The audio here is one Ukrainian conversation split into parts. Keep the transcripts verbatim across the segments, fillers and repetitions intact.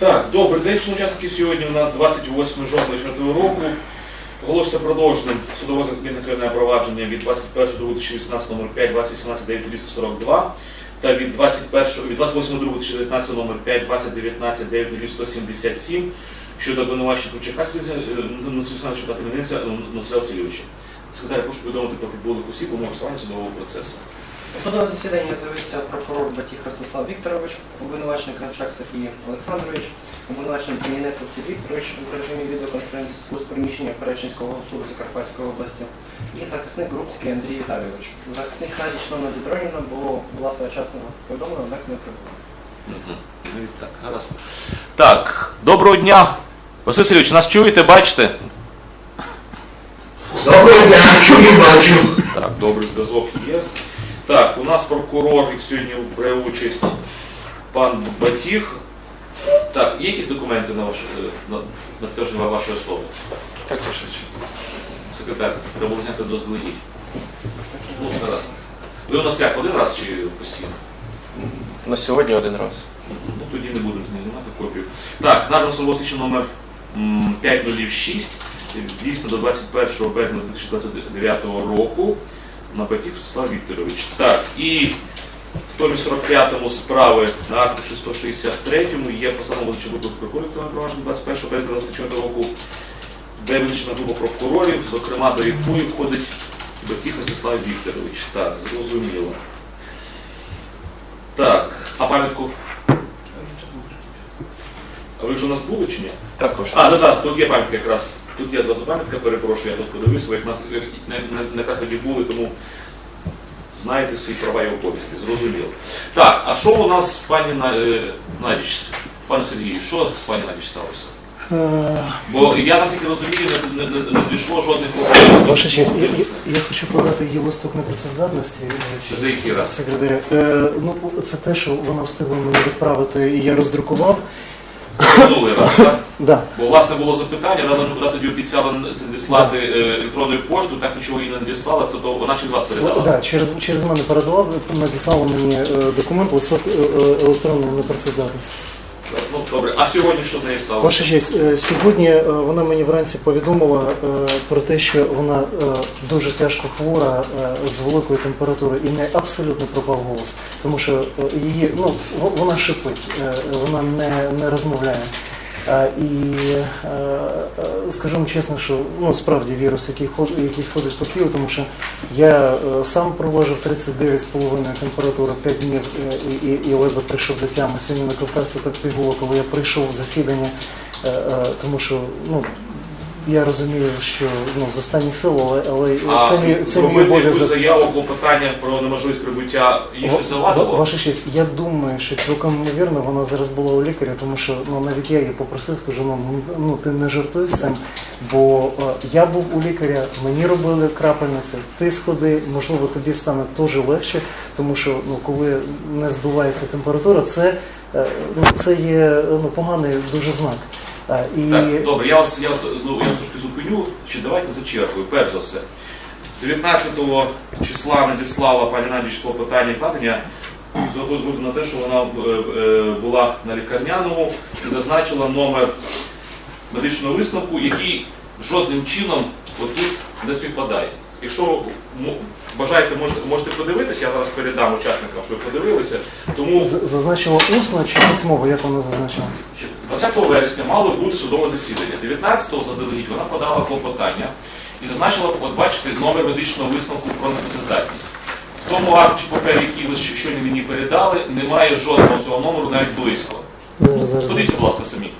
Так, добрий день, шановні учасники. Сьогодні у нас двадцять восьме жовтня дві тисячі двадцятого року. Оголошується продовженим судове кримінальне провадження від двадцять першого другого дві тисячі вісімнадцятого номер п'ять, двадцять вісімнадцять дев'ять двісті сорок два та від двадцять восьмого другого дві тисячі дев'ятнадцятого номер п'ять, двадцять дев'ятнадцять дев'ять сто сімдесят сім щодо обвинувачення Кручака Олександровича та Кам'янця Насиля Васильовича. Секретар, прошу повідомити про підбулих осіб у голосування судового процесу. У судове засідання з'явився прокурор Батіх Ростислав Вікторович, обвинувачений Кравчак Сергій Олександрович, обвинувачений Кам'янець Василь Вікторович в режимі відеоконференц-зв'язку з приміщення Перечинського суду Закарпатської області і захисник Грубський Андрій Віталійович. Захисник Надіч Нона Дідроніна було була своєчасно повідомлено, однак не прибула. Так, гаразд. Так, доброго дня. Василь Васильович, нас чуєте, бачите? Доброго дня, чую, бачу. Так, добрий зв'язок є. Так, у нас прокурор сьогодні бере участь пан Батіх. Так, є якісь документи на, ваш, на, на підтвердження вашої особи? Так, ваша честь. Секретар, треба було зняти доздалегідь. Ну, гаразд. Ви у нас як, один раз чи постійно? На сьогодні один раз. Ну, тоді не будемо знімати копію. Так, надано службове свідчення номер п'ять нуль шість, дійсно до двадцять першого березня дві тисячі двадцять дев'ятого року. На Батіх Ростислав Вікторович. Так, і в томі сорок п'ятому справи на аркуші сто шістдесят третьому є постанова визначена групи прокурорів провадження двадцять першого березня дві тисячі двадцять четвертого року, де визначена група прокурорів, зокрема до якої входить Батіх Ростислав Вікторович. Так, зрозуміло. Так, а пам'ятку? А ви вже у нас були чи ні? Так, ваша А, честь. так, так, тут є пам'ятка якраз. Тут є зразу пам'ятка, перепрошую, я тут подивився, ви як нас не, не, не якраз тоді були, тому знаєте свої права і обов'язки, зрозуміло. Так, а що у нас з пані Надіч? Пане Сергію, що з пані Надіч сталося? Бо я, наскільки розумію, не, не, не дійшло жодних проблем. Ваша честь, я, я, я хочу подати її листок непрацездатності. Це за який раз? Секретаря. Е, ну, це те, що вона встигла мені відправити, і я роздрукував. Минулий раз, так? Да. Бо, власне, було запитання, вона вона тоді обіцяла надіслати е, електронною поштою, так нічого їй не надіслала, це то вона через вас передала. Да, через, через мене передала, надіслала мені е, документ листок е, е, електронної непрацездатності. Ну, добре, а сьогодні що з нею сталося? Ваша честь, е, сьогодні е, вона мені вранці повідомила е, про те, що вона е, дуже тяжко хвора, е, з великою температурою, і в неї абсолютно пропав голос, тому що е, її, ну, в- вона шипить, е, вона не, не розмовляє. Е, І е, е, скажу вам чесно, що ну, справді вірус, який, ход, який сходить по Києву, тому що я е, сам провожив тридцять дев'ять з половиною температури п'ять днів е, і, і, і ледве прийшов до тями. Сьогодні накопався так пігуло, коли я прийшов в засідання, е, е, тому що ну, я розумію, що ну, з останніх сил, але, але А це мій, це мій зробити якусь обов'язок. заяву, клопотання про неможливість прибуття їй щось Ва- завадило? Ваша честь, я думаю, що цілком ймовірно вона зараз була у лікаря, тому що ну, навіть я її попросив, скажу, ну, ну ти не жартуй з цим, бо е, я був у лікаря, мені робили крапельниці, ти сходи, можливо тобі стане теж легше, тому що ну, коли не збивається температура, це, е, ну, це є ну, поганий дуже знак. Е, і... Так, добре, я вас, я, ну, я вас трошки зупиню, чи давайте зачеркую. Перш за все, дев'ятнадцятого числа надіслала пані Надіч клопотання вкладення з огляду на те, що вона е, е, була на лікарняному і зазначила номер медичного висновку, який жодним чином отут не співпадає. Якщо м- бажаєте, можете, можете подивитися, я зараз передам учасникам, щоб подивилися. Тому З- Зазначила усно чи письмово, як вона зазначила? двадцятого вересня мало бути судове засідання. дев'ятнадцятого заздалегідь вона подала клопотання і зазначила, от бачите, номер медичного висновку про непрацездатність. В тому аркуші паперу, який ви щойно мені передали, немає жодного цього номеру навіть близько. Зараз, зараз. Подивіться, будь ласка, самі.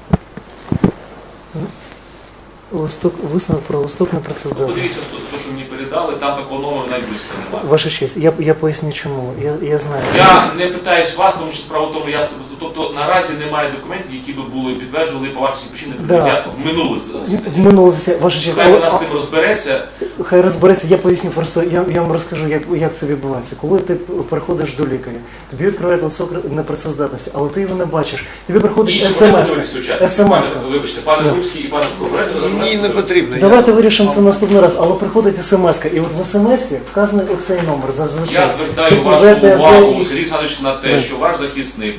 Листок, висновок про листок непрацездатності. Подивіться, те, що мені передали, там такого номеру навіть близько немає. Ваша честь, я, я поясню чому. Я, я знаю. Я не питаюсь вас, тому що справа в тому, я тобто наразі немає документів, які би були підтверджували по вашій причині прибуття в минуле В засідання. минуле засідання, ваша честь, Хай але- вона з тим розбереться. хай розбереться, я поясню просто, я, я вам розкажу, як, як це відбувається. Коли ти приходиш до лікаря, тобі відкривають листок непрацездатності, але ти його не бачиш. Тобі приходить Інші смс. смс. смс. Вибачте, пане Да. Грубський і пане Прокурор. Мені не потрібно. Давайте вирішимо це наступний раз, але приходить смс, і от в смс вказаний оцей номер. Зазвичай. Я звертаю Тут вашу веде увагу, за- Сергій Олександрович, на те, Да. що ваш захисник минулого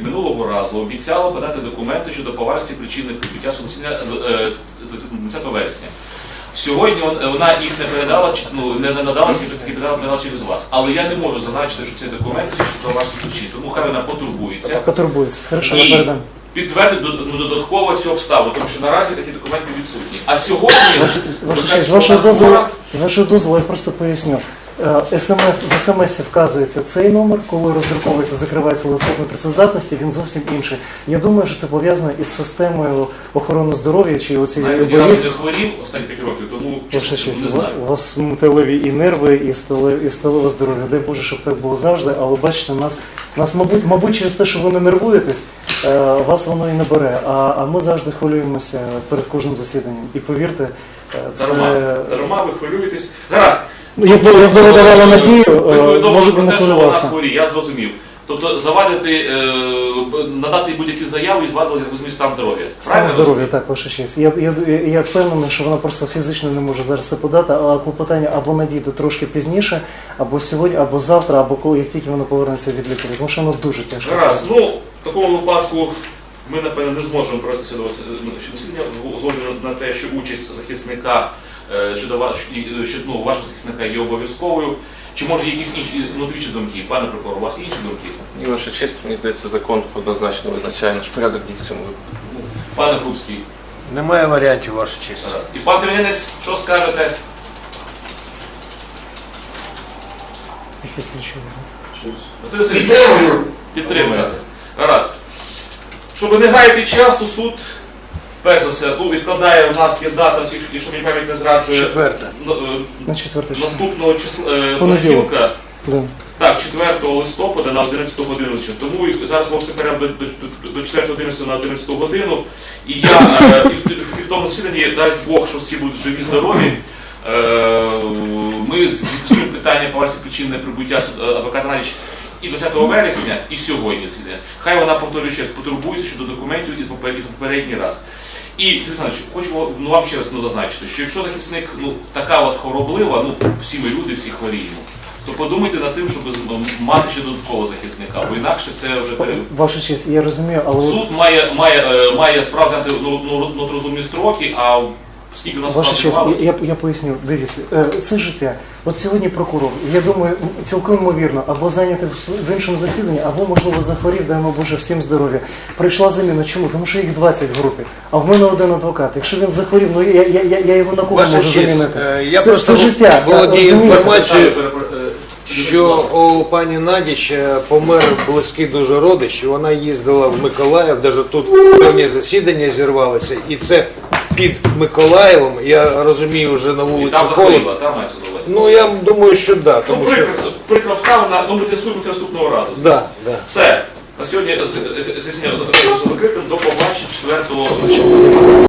разу обіцяла подати документи щодо поважності причини прибуття суду засідання е, десятого вересня. Сьогодні вон- вона їх не передала, чи- ну, не не надала, тільки тільки передала, передала через вас. Але я не можу зазначити, що цей документ свідчить про ваші причини. Тому хай вона потурбується Потурбується. Хорошо, я і передам. підтвердить до- ну, додатково цю обставину, тому що наразі такі документи відсутні. А сьогодні, Ваша виходить, честь, з що вашого вона дозволу, хвора, з вашого дозволу я просто поясню. Е, СМС, в смс вказується цей номер, коли роздруковується, закривається листок непрацездатності, він зовсім інший. Я думаю, що це пов'язано із системою охорони здоров'я чи оцієї навіть ні разу не хворів останні п'ять років, тому Ваша чесно, честь, не знаю. у вас металеві і нерви, і стале, і сталеве здоров'я. Дай Боже, щоб так було завжди, але бачите, нас, нас мабуть, мабуть, через те, що ви не нервуєтесь, е, вас воно і не бере. А, а ми завжди хвилюємося перед кожним засіданням. І повірте, е, це... Дарма, дарма, ви хвилюєтесь. Гаразд. Ну, якби, якби ви давали надію, Ви е, повідомили може б про не те, що вона хвилювався. хворіє, я зрозумів. Тобто завадити, е, надати будь-які заяви і звадити, я розумію, стан здоров'я. Стан Правильно здоров'я, так, ваша честь. Я, я, я, я впевнений, що вона просто фізично не може зараз це подати, а клопотання або надійде трошки пізніше, або сьогодні, або завтра, або коли, як тільки вона повернеться від лікаря, тому що воно дуже тяжко. Гаразд. Ну, в такому випадку ми, напевно, не зможемо провести судове засідання з огляду на те, що участь захисника е, щодо ва- і, е, що, ну, вашого захисника є обов'язковою. Чи може є якісь інші внутрішні думки? Пане прокурор, у вас є інші думки? І ваша честь, мені здається, закон однозначно визначає наш порядок дій в цьому випадку. Пане Грубський, Немає варіантів, ваша честь. гаразд. І пан Кремінець, що скажете? Їх відключили. Василь Васильович, Підтримую. підтримуєте. Гаразд. Щоб не гаяти часу, суд, перш за все, ну, відкладає, у нас є дата, якщо мені пам'ять не зраджує, Четверте. ну, е, На четверте число. наступного числа, е, Понеділок. понеділка, Да. так, четвертого листопада на одинадцяту годину. Тому і зараз можете перейти до, до, до четвертого одинадцятого на одинадцяту годину. І я е, і, в, і в тому засіданні, дасть Бог, що всі будуть живі, здорові. Е, ми з'ясуємо питання по версії причин неприбуття суд- адвоката Надіч і двадцятого вересня, і сьогодні засідання. Хай вона, повторюю ще раз, потурбується щодо документів із попер- із попередній раз. І, Сергій Олександрович, хочу ну, вам ще раз ну, зазначити, що якщо захисник ну, така у вас хвороблива, ну всі ми люди, всі хворіємо, то подумайте над тим, щоб з- мати ще додаткового захисника, бо інакше це вже пере... Ваша честь, я розумію, але... Суд має, має, е, має справді ну, ну, ну, розумні строки, а скільки у нас Ваша справді честь, тривалося? я, я поясню, дивіться, е, це життя. От сьогодні прокурор, я думаю, цілком ймовірно, або зайнятий в с- в іншому засіданні, або, можливо, захворів, даємо Боже, всім здоров'я. Прийшла заміна. Чому? Тому що їх двадцять в групі, а в мене один адвокат. Якщо він захворів, ну я, я, я, я його на кого Ваша можу честь, замінити? е, я це, просто це життя. володію розумієте? інформацією, Перепро- е, що будь ласка. у пані Надіч е, помер близький дуже родич, і вона їздила в Миколаїв, навіть тут певні засідання зірвалися, і це під Миколаєвом, я розумію, вже на І вулиці там холодно. захворіла, там мається на увазі. Ну я думаю, що так, да, Ну, тому що... прикра, прикра обставина, ну ми з'ясуємо це наступного разу. звісно. Да, да. Все. На сьогодні засідання закритим. До побачення четвертого листопада.